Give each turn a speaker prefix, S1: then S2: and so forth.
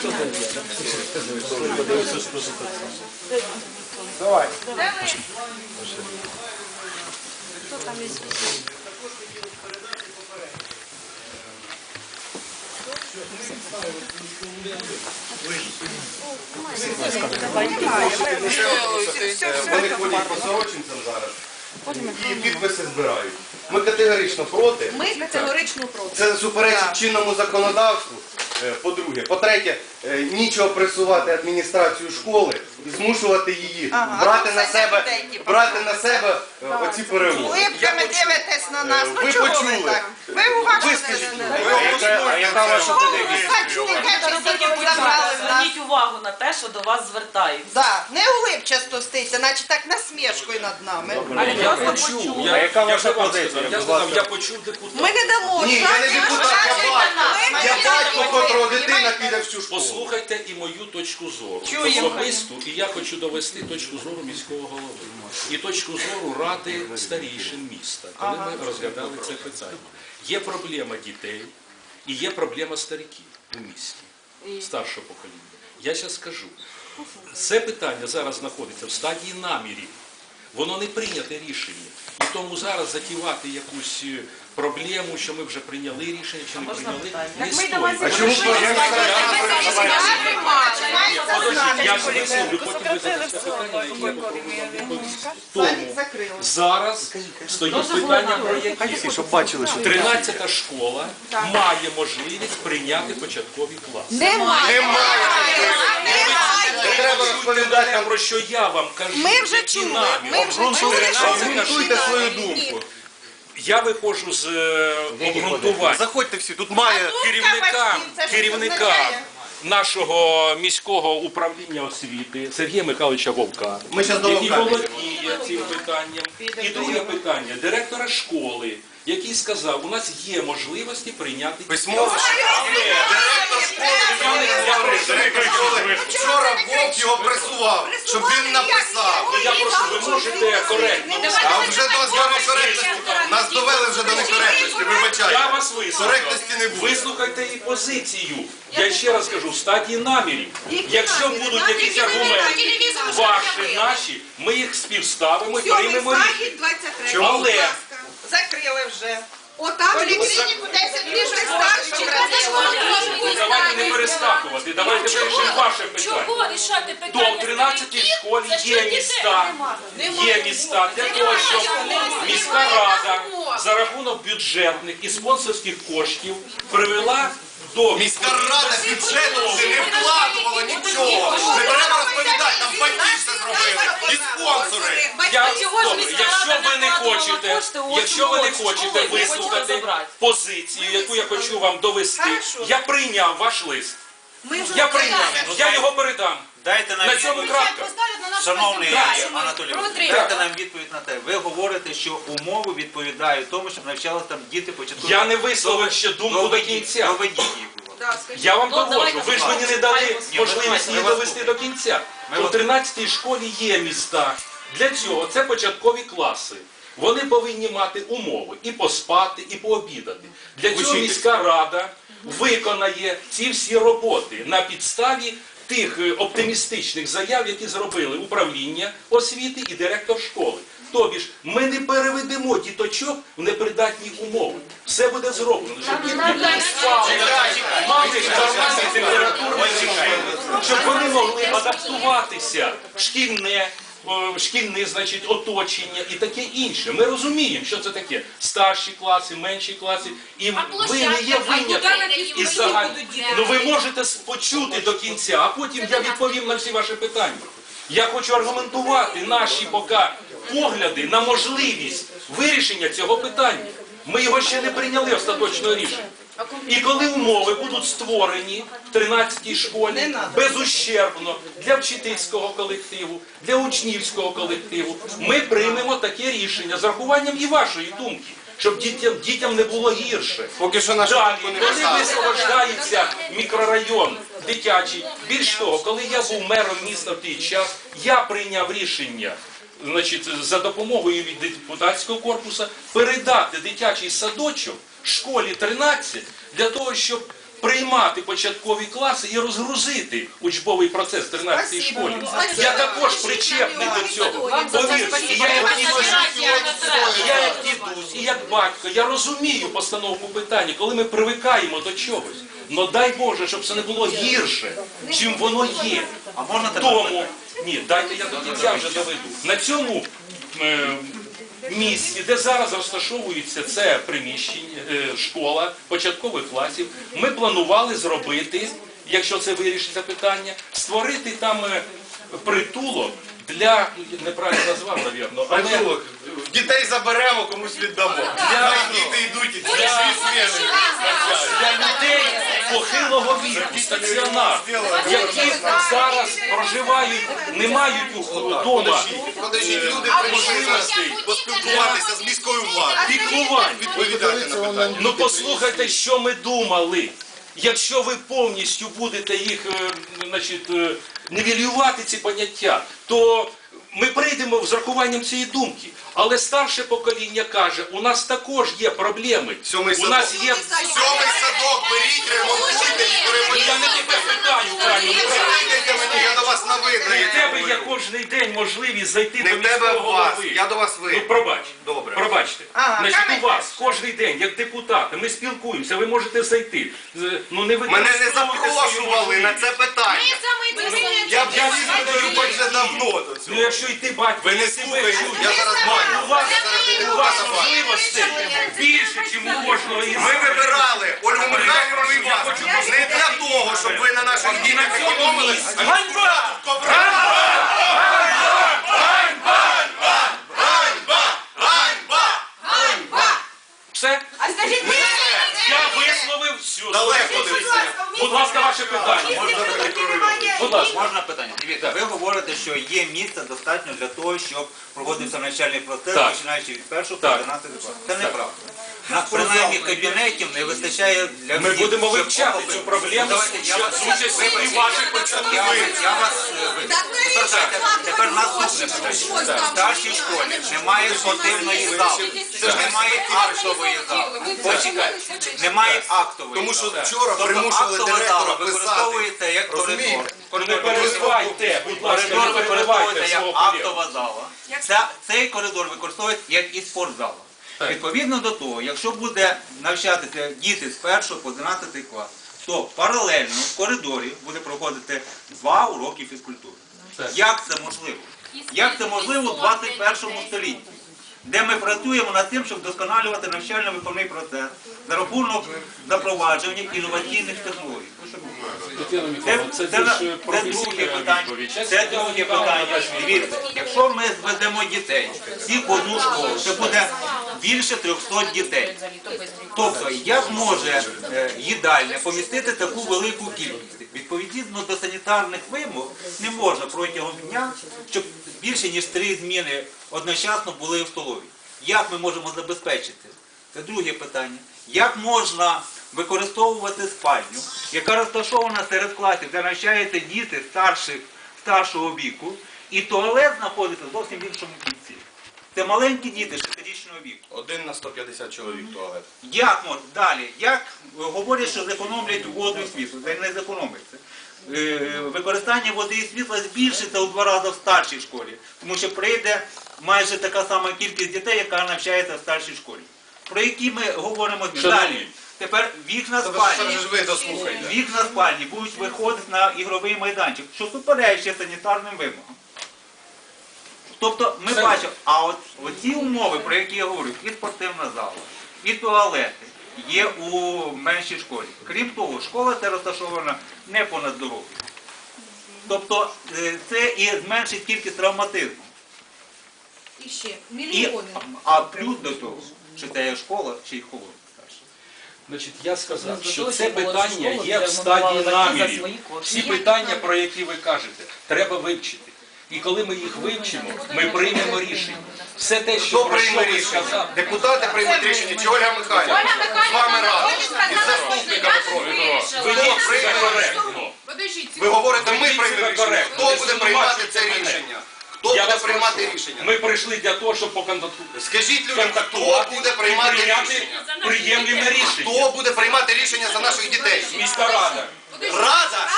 S1: Давай.
S2: Хто там із?
S1: Вони ходять по сорочинцям зараз і підписи збирають. Ми категорично проти.
S3: Ми категорично проти.
S1: Це суперечить чинному законодавству. По-друге. По-третє, нічого пресувати адміністрацію школи і змушувати її брати на себе оці перемоги.
S3: Улипками дивитесь на нас.
S1: Ви
S3: Ну чого ви
S1: почули.
S3: так? Ви уважно
S4: А яка ваша
S5: Зверніть увагу на те, що до вас звертаються.
S3: Да, не улипчасто стійте, наче так насмішкою над нами.
S4: Я почув.
S1: А яка ваша
S4: позиція? Я сказав, я почув депутата.
S3: Ми не дамо.
S1: Ні, я не депутат, я батько. Я батько, котрого дитина піде в цю школу.
S4: Послухайте і мою точку зору.
S3: Чуємо.
S4: Особисту, і я хочу довести точку зору міського голови. І точку зору ради старійшин міста, коли ми розглядали це питання. Є проблема дітей і є проблема стариків у місті, старшого покоління. Я зараз скажу, це питання зараз знаходиться в стадії намірів. Воно не прийняте рішення. І тому зараз затівати якусь проблему, що ми вже прийняли рішення, чи не прийняли, не стоїть.
S1: А чому
S4: Я ж висловлю, потім ви задасте питання, на які я попробую вам відповісти. Тому зараз стоїть питання про які.
S1: Щоб бачили, що
S4: 13-та школа має можливість прийняти початкові класи.
S1: немає. Не треба розповідати нам,
S4: Про що я вам кажу,
S3: Ми вже
S4: які
S3: чули,
S4: наміри.
S3: ми вже чули, що
S1: обґрунтуйте свою думку.
S4: Я виходжу з обґрунтування.
S1: Заходьте всі, тут має
S4: керівника нашого міського управління освіти Сергія Михайловича Вовка,
S1: Ми щас до
S4: який
S1: Вовка
S4: володіє цим питанням. І друге питання директора школи, який сказав, у нас є можливості прийняти
S1: письмово. Директор школи вчора Вовк його пресував, щоб він написав.
S4: Я прошу, ви можете коректно.
S1: А вже до некоректності. Нас довели вже до некоректності,
S4: Я
S1: вибачайте.
S4: вас вислухав.
S1: Коректності не буде.
S4: Вислухайте і позицію. Я ще раз кажу, в стадії намірів. Якщо будуть якісь аргументи, ваші, наші, ми їх співставимо і приймемо рішення. Але
S3: закрили вже.
S6: Отам
S3: Поліклініку 10 ліжок старших
S4: давайте не перескакувати, давайте вирішимо ваше питання.
S2: Чого рішати
S4: То
S2: питання?
S4: в 13-й школі є міста для того, щоб міська рада за рахунок бюджетних і спонсорських коштів привела до
S1: Міська рада бюджету не вкладувала нічого. Не треба розповідати, там батьки все зробили. І спонсори.
S4: Якщо ви не хочете вислухати позицію, яку я хочу вам довести, я прийняв ваш лист. Я прийняв, я його передам.
S7: Дайте нам
S4: На цьому крапка.
S7: Шановний Анатолій, дайте нам відповідь на те. Ви говорите, що умови відповідають тому, щоб навчалися там діти початкові.
S4: Я не висловив ще думку до кінця.
S7: Доведіть їх.
S4: Я вам доводжу. Ви ж мені не дали можливість її довести до кінця. У 13-й школі є міста. Для цього це початкові класи. Вони повинні мати умови і поспати, і пообідати. Для цього міська рада виконає ці всі роботи на підставі тих оптимістичних заяв, які зробили управління освіти і директор школи. Тобі ж ми не переведемо діточок в непридатні умови. Все буде зроблено, щоб дітки спали, мали нормальний температурний режим, щоб вони могли адаптуватися в шкільне, значить, оточення і таке інше. Ми розуміємо, що це таке. Старші класи, менші класи. І ви не є винятком із загального. Ну ви можете почути до кінця, а потім я відповім на всі ваші питання. Я хочу аргументувати наші погляди на можливість вирішення цього питання. Ми його ще не прийняли остаточного рішення. І коли умови будуть створені в 13-й школі безущербно для вчительського колективу, для учнівського колективу, ми приймемо таке рішення з рахуванням і вашої думки, щоб дітям не було гірше.
S1: Поки що нашу
S4: Далі,
S1: думку не
S4: коли
S1: поставили.
S4: висвобождається мікрорайон дитячий, більш того, коли я був мером міста в той час, я прийняв рішення, значить, за допомогою від депутатського корпусу передати дитячий садочок школі 13 для того, щоб приймати початкові класи і розгрузити учбовий процес в 13-й школі. Я також причепний до цього. Повірте, і я як дідусь, і як батько, я розумію постановку питання, коли ми привикаємо до чогось. Но дай Боже, щоб це не було гірше, чим воно є.
S7: А можна тепер?
S4: Тому, ні, дайте я до кінця вже доведу. На цьому місці, де зараз розташовується це приміщення, школа початкових класів, ми планували зробити, якщо це вирішиться питання, створити там притулок для, неправильно назвав, мабуть, але
S1: Притулок. Дітей заберемо, комусь віддамо. Хай діти йдуть і дві сміни.
S4: для людей похилого віку, стаціонар, які зараз проживають, не мають вдома
S1: Подождіть, люди
S4: можливостей
S1: поспілкуватися з міською владою.
S4: піклування.
S1: Відповідати на питання.
S4: Ну послухайте, що ми думали. Якщо ви повністю будете їх нівелювати ці поняття, то ми прийдемо з рахуванням цієї думки. Але старше покоління каже, у нас також є проблеми.
S1: Сьомий
S4: У нас
S1: садок.
S4: є...
S1: Сьомий садок, беріть, ремонтуйте і
S4: Я не тебе питаю, правильно.
S1: перейдете мені, я до вас на ви.
S4: У тебе є кожен день можливість зайти
S1: Не
S4: до
S1: в тебе,
S4: міського
S1: в вас.
S4: голови.
S1: Я до вас ви.
S4: Ну, пробач.
S1: Добре.
S4: Пробачте. Значить, у вас кожен день, як депутати, ми спілкуємося, ви можете зайти. Ну, не
S1: Мене не
S4: використовуйте свою
S1: запрошували на
S4: можливість.
S1: це питання. Я б їздив вже давно до
S4: Ну,
S1: цього.
S4: якщо і ти, батько,
S1: Ви не
S4: і тебе
S1: слухаєте,
S4: чують.
S1: я зараз маю.
S4: У вас можливостей більше, ніж у кожного із
S1: Ми вибирали Ольгу Михайлівну і вас не для того, щоб ви на наших дітях економили.
S4: Ганьба! Все?
S3: А скажіть,
S4: Я висловив всю.
S1: Далеко дивіться.
S4: Будь ласка, ваше питання. Будь ласка.
S7: Можна питання? Дивіться, ви говорите, що є місця достатньо для того, щоб проводився навчальний процес,
S4: Так.
S7: починаючи від 1 по
S4: Так.
S7: 11 класу. Це неправда. Принаймні кабінетів не вистачає для
S4: Ми
S7: всіх,
S4: будемо
S7: щоб
S4: вивчати
S7: охопити.
S4: цю проблему
S7: Давайте, я вас
S4: з участю і ваших початкових.
S7: Я вас тепер наступне питання. В старшій школі немає спортивної зали, немає актової зали. Почекайте, немає актової
S1: Тому що
S7: зали.
S1: вчора
S7: Тобто
S1: примушували
S7: актова
S1: директора
S7: зала
S1: писати.
S7: використовується як коридор.
S1: Розумієте?
S4: Не перебивайте, будь ласка, не
S7: Коридор
S4: перебивайте
S7: використовується як
S4: свого колегу.
S7: актова зала. Цей коридор використовується як і спортзала. Відповідно до того, якщо буде навчатися діти з 1 по 11 клас, то паралельно в коридорі буде проходити 2 уроки фізкультури.
S4: Так.
S7: Як це можливо? Як це можливо в 21 столітті? Де ми працюємо над тим, щоб вдосконалювати навчально-виховний процес за рахунок запровадження інноваційних технологій.
S4: Тетяна Миколаївна, це більш
S7: друге
S4: професійна
S7: питання.
S4: відповідь.
S7: Це друге питання. Дивіться, якщо ми зведемо дітей всіх в одну школу, це буде більше 300 дітей. Тобто, як може їдальня помістити таку велику кількість? Відповідно до санітарних вимог не можна протягом дня, щоб більше ніж 3 зміни одночасно були в столовій. Як ми можемо забезпечити? Це друге питання. Як можна використовувати спальню, яка розташована серед класів, де навчаються діти старшого віку, і туалет знаходиться зовсім в іншому кінці. Це маленькі діти 6-річного віку.
S1: 1 на 150 чоловік туалет.
S7: Як можна? Далі, як говорять, що зекономлять воду і світло, це не зекономиться. Використання води і світла збільшиться у 2 рази в старшій школі, тому що прийде майже така сама кількість дітей, яка навчається в старшій школі. Про які ми говоримо далі. Тепер вікна спальні.
S1: Ви дослухайте.
S7: Вікна спальні будуть виходити на ігровий майданчик, що суперечить санітарним вимогам. Тобто ми бачимо, а от ці умови, про які я говорю, і спортивна зала, і туалети є у меншій школі. Крім того, школа це розташована не понад дорогою. Тобто це і зменшить кількість травматизму.
S3: І ще
S7: І,
S3: мільйони.
S7: а плюс до того, що це є школа чи й холод.
S4: Значить, я сказав,
S5: До
S4: що
S5: того,
S4: це
S5: що було
S4: питання
S5: школа,
S4: є
S5: де
S4: в стадії
S5: ремонтували батьки за
S4: намірів.
S5: свої кошти.
S4: Всі питання, про які ви кажете, треба вивчити. І коли ми їх вивчимо, ми приймемо рішення. Все те, що
S1: Хто
S4: про що
S1: прийме
S4: ви
S1: рішення?
S4: сказали.
S1: Депутати приймуть рішення чи Ольга Михайлівна? З вами разом. Із заступниками профільного.
S4: Ви
S1: Хто прийме
S4: коректно.
S1: Ви говорите, ми приймемо рішення.
S4: коректно.
S1: Хто буде приймати це рішення? Хто
S4: Я
S1: буде
S4: вас
S1: приймати
S4: прошу.
S1: рішення?
S4: Ми прийшли для того, щоб поконтактувати.
S1: Скажіть людям, хто
S4: Контактувати
S1: буде
S4: і
S1: приймати
S4: прийняти
S1: рішення?
S4: приємліме рішення.
S1: Хто буде приймати рішення за наших дітей?
S4: Міська рада.
S1: Рада